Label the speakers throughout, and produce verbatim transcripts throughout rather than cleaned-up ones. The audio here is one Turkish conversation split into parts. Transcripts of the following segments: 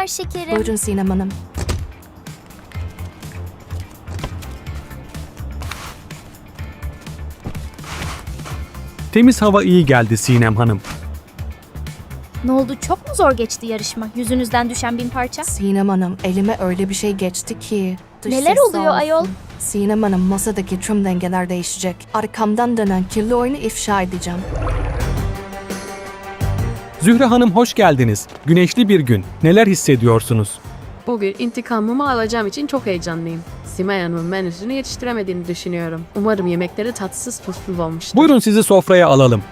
Speaker 1: akşamlar şekerim.
Speaker 2: Buyurun Sinem Hanım.
Speaker 3: Temiz hava iyi geldi Sinem Hanım.
Speaker 1: Ne oldu, çok mu zor geçti yarışma? Yüzünüzden düşen bin parça.
Speaker 2: Sinem Hanım, elime öyle bir şey geçti ki. Dış
Speaker 1: Neler
Speaker 2: ses sağ
Speaker 1: oluyor
Speaker 2: olsun.
Speaker 1: ayol?
Speaker 2: Sinem Hanım, masadaki tüm dengeler değişecek. Arkamdan dönen kirli oyunu ifşa edeceğim.
Speaker 3: Zühre Hanım hoş geldiniz. Güneşli bir gün. Neler hissediyorsunuz?
Speaker 4: Bugün intikamımı alacağım için çok heyecanlıyım. Simay Hanım'ın menüsünü yetiştiremediğini düşünüyorum. Umarım yemekleri tatsız tuzsuz olmuştur.
Speaker 3: Buyurun sizi sofraya alalım.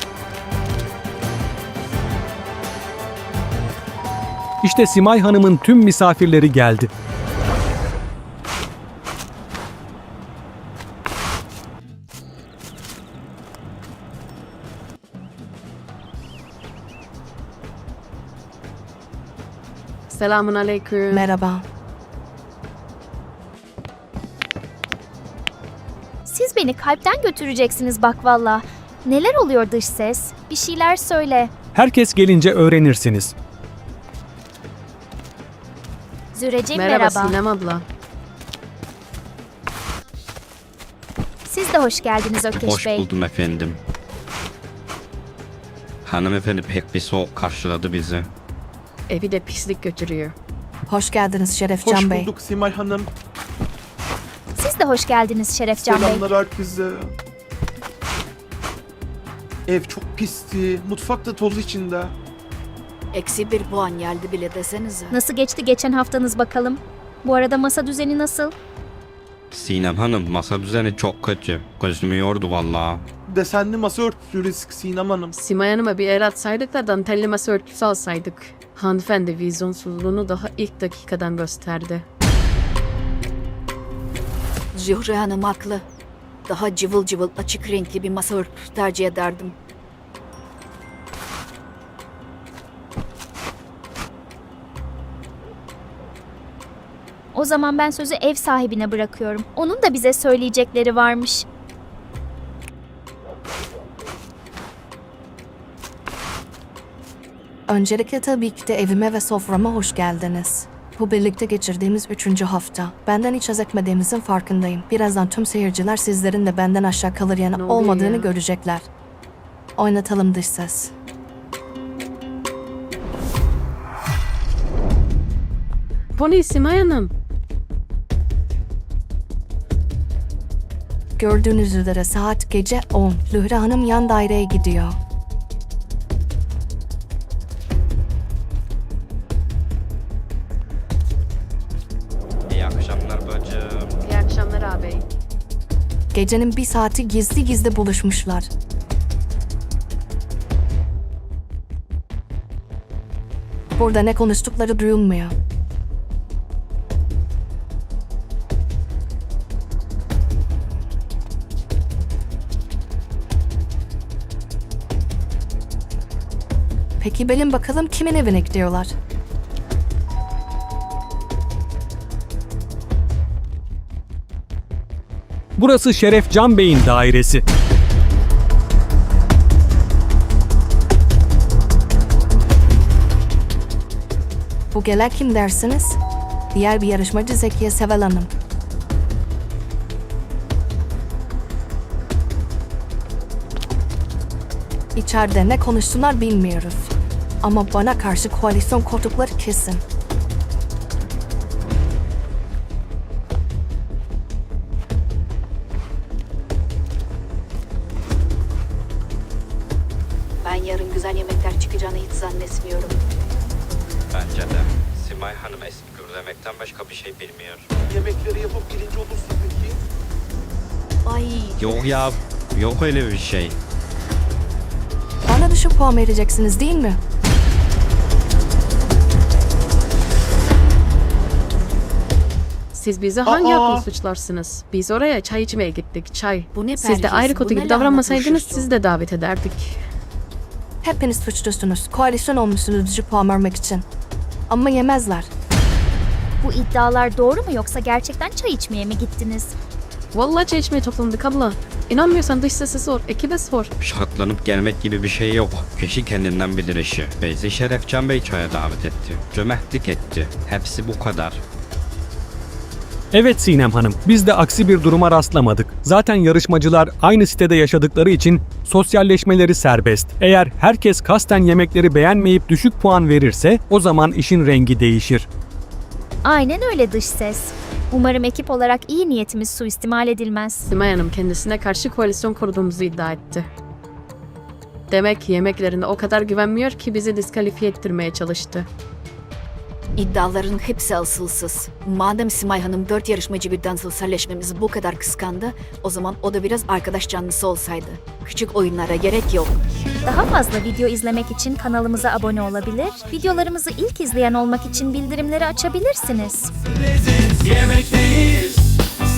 Speaker 3: İşte Simay Hanım'ın tüm misafirleri geldi.
Speaker 4: Selamun aleyküm.
Speaker 2: Merhaba.
Speaker 1: Siz beni kalpten götüreceksiniz bak valla. Neler oluyor dış ses? Bir şeyler söyle.
Speaker 3: Herkes gelince öğrenirsiniz.
Speaker 1: Züreciğim
Speaker 4: Merhaba,
Speaker 1: merhaba.
Speaker 4: Sinem abla.
Speaker 1: Siz de hoş geldiniz Ökeş
Speaker 5: Hoş
Speaker 1: Bey.
Speaker 5: buldum efendim. Hanımefendi pek bir soğuk karşıladı bizi.
Speaker 4: Evi de pislik götürüyor.
Speaker 2: Hoş geldiniz Şerefcan
Speaker 6: Hoş
Speaker 2: Bey.
Speaker 6: bulduk Simay Hanım.
Speaker 1: Siz de hoş geldiniz Şerefcan Bey.
Speaker 6: Selamlar herkese. Ev çok pisti. Mutfak da toz içinde.
Speaker 7: Eksi bir puan geldi bile desenize.
Speaker 1: Nasıl geçti geçen haftanız bakalım? Bu arada masa düzeni nasıl?
Speaker 5: Sinem Hanım masa düzeni çok kötü. Gözümü yordu vallahi.
Speaker 6: Desenli masa örtüsü risk Sinem Hanım.
Speaker 4: Simay Hanım'a bir el atsaydık da dantelli masa örtüsü alsaydık. Hanımefendi vizyonsuzluğunu daha ilk dakikadan gösterdi.
Speaker 7: Zühre Hanım haklı. Daha cıvıl cıvıl açık renkli bir masa örtüsü tercih ederdim.
Speaker 1: O zaman ben sözü ev sahibine bırakıyorum. Onun da bize söyleyecekleri varmış.
Speaker 2: Öncelikle tabii ki de evime ve soframa hoş geldiniz. Bu birlikte geçirdiğimiz üçüncü hafta. Benden hiç haz etmediğimizin farkındayım. Birazdan tüm seyirciler sizlerin de benden aşağı kalır yanı
Speaker 4: Ne oluyor
Speaker 2: olmadığını
Speaker 4: ya?
Speaker 2: görecekler. Oynatalım dış ses.
Speaker 4: Bu ne Simay Hanım?
Speaker 2: Gördüğünüz üzere saat gece on. Zühre Hanım yan daireye gidiyor.
Speaker 5: İyi akşamlar bacım.
Speaker 4: İyi akşamlar ağabey.
Speaker 2: Gecenin bir saati gizli gizli buluşmuşlar. Burada ne konuştukları duyulmuyor. Peki bilin bakalım kimin evine gidiyorlar?
Speaker 3: Burası Şerefcan Bey'in dairesi.
Speaker 2: Bu gelen kim dersiniz? Diğer bir yarışmacı Zekiye Sevel Hanım. İçeride ne konuştular bilmiyoruz. Ama bana karşı koalisyon kurdukları kesin.
Speaker 7: Ben yarın güzel yemekler çıkacağını hiç zannetmiyorum.
Speaker 5: Bence de. Simay Hanım eski gürlemekten başka bir şey bilmiyor.
Speaker 6: Yemekleri yapıp birinci olursa peki?
Speaker 7: Ay
Speaker 5: Yok ya. Yok öyle bir şey.
Speaker 2: Bana düşük puan vereceksiniz değil mi?
Speaker 4: Siz bizi hangi
Speaker 6: Aa!
Speaker 4: hakla suçlarsınız? Biz oraya çay içmeye gittik, çay.
Speaker 7: bu ne
Speaker 4: Siz de
Speaker 7: perhiz,
Speaker 4: ayrı
Speaker 7: bu
Speaker 4: kutu
Speaker 7: ne
Speaker 4: gibi
Speaker 7: lahana
Speaker 4: davranmasaydınız
Speaker 7: turşusu?
Speaker 4: siz de davet ederdik.
Speaker 2: Hepiniz suçlusunuz. Koalisyon olmuşsunuz düşük puan vermek için. Ama yemezler.
Speaker 1: Bu iddialar doğru mu yoksa gerçekten çay içmeye mi gittiniz?
Speaker 4: Vallahi çay içmeye toplandık abla. İnanmıyorsan dış sese sor, ekibe sor.
Speaker 5: Şartlanıp gelmek gibi bir şey yok. Kişi kendinden bilir işi. Bizi Şerefcan Bey çaya davet etti. Cömertlik etti. Hepsi bu kadar.
Speaker 3: Evet Sinem Hanım, biz de aksi bir duruma rastlamadık. Zaten yarışmacılar aynı sitede yaşadıkları için sosyalleşmeleri serbest. Eğer herkes kasten yemekleri beğenmeyip düşük puan verirse o zaman işin rengi değişir.
Speaker 1: Aynen öyle dış ses. Umarım ekip olarak iyi niyetimiz suistimal edilmez.
Speaker 4: Simay Hanım kendisine karşı koalisyon kurduğumuzu iddia etti. Demek ki yemeklerine o kadar güvenmiyor ki bizi diskalifiye ettirmeye çalıştı.
Speaker 7: İddiaların hepsi asılsız. Madem Simay Hanım dört yarışmacı birden sosyalleşmemizi bu kadar kıskandı, o zaman o da biraz arkadaş canlısı olsaydı. Küçük oyunlara gerek yok.
Speaker 1: Daha fazla video izlemek için kanalımıza abone olabilir, videolarımızı ilk izleyen olmak için bildirimleri açabilirsiniz.
Speaker 8: Yemekteyiz.